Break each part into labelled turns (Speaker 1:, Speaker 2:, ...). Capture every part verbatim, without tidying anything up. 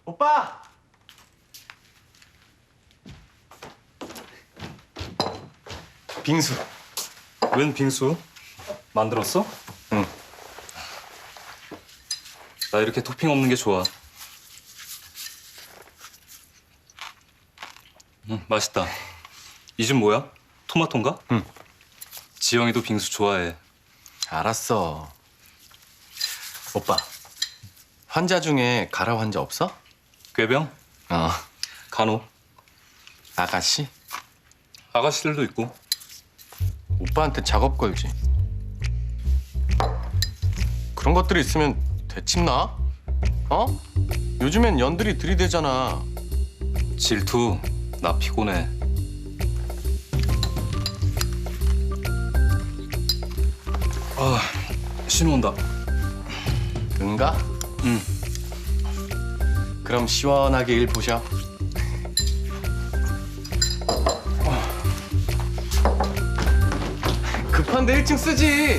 Speaker 1: 오빠! 빙수.
Speaker 2: 웬 빙수? 만들었어?
Speaker 1: 응.
Speaker 2: 나 이렇게 토핑 없는 게 좋아. 음, 맛있다. 이 집 뭐야? 토마토인가?
Speaker 1: 응.
Speaker 2: 지영이도 빙수 좋아해.
Speaker 1: 알았어. 오빠, 환자 중에 가라 환자 없어?
Speaker 2: 꾀병?
Speaker 1: 어.
Speaker 2: 간호?
Speaker 1: 아가씨?
Speaker 2: 아가씨들도 있고.
Speaker 1: 오빠한테 작업 걸지. 그런 것들이 있으면 되침나? 어? 요즘엔 연들이 들이대잖아.
Speaker 2: 질투, 나 피곤해. 아, 신호 온다.
Speaker 1: 응가?
Speaker 2: 응.
Speaker 1: 그럼 시원하게 일 보셔. 급한데 일 층 쓰지.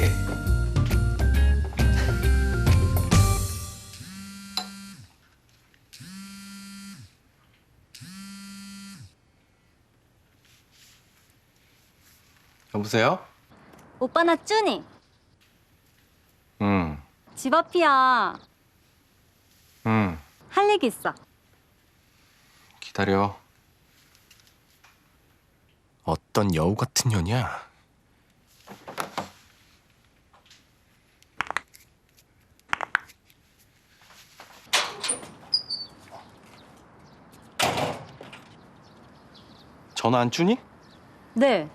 Speaker 1: 여보세요?
Speaker 3: 오빠 나 쭈니.
Speaker 1: 응,
Speaker 3: 집 앞이야.
Speaker 1: 응.
Speaker 3: 할 얘기 있어.
Speaker 1: 기다려. 어떤 여우 같은 년이야? 전화 안 주니?
Speaker 3: 네.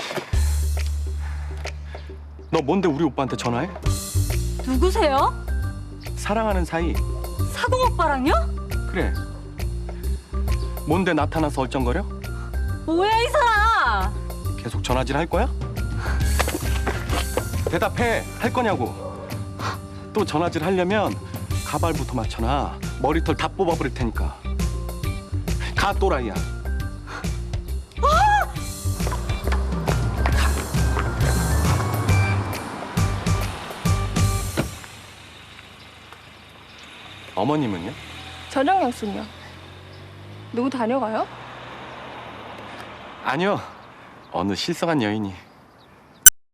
Speaker 1: 너 뭔데 우리 오빠한테 전화해?
Speaker 3: 누구세요?
Speaker 1: 사랑하는 사이.
Speaker 3: 사동 오빠랑요?
Speaker 1: 그래. 뭔데 나타나서 얼쩡거려?
Speaker 3: 뭐야 이 사람?
Speaker 1: 계속 전화질 할 거야? 대답해. 할 거냐고. 또 전화질 하려면 가발부터 맞춰놔. 머리털 다 뽑아버릴 테니까. 가 또라이야. 어머님은요?
Speaker 4: 저녁 약속이요. 누구 다녀가요?
Speaker 1: 아니요. 어느 실성한 여인이.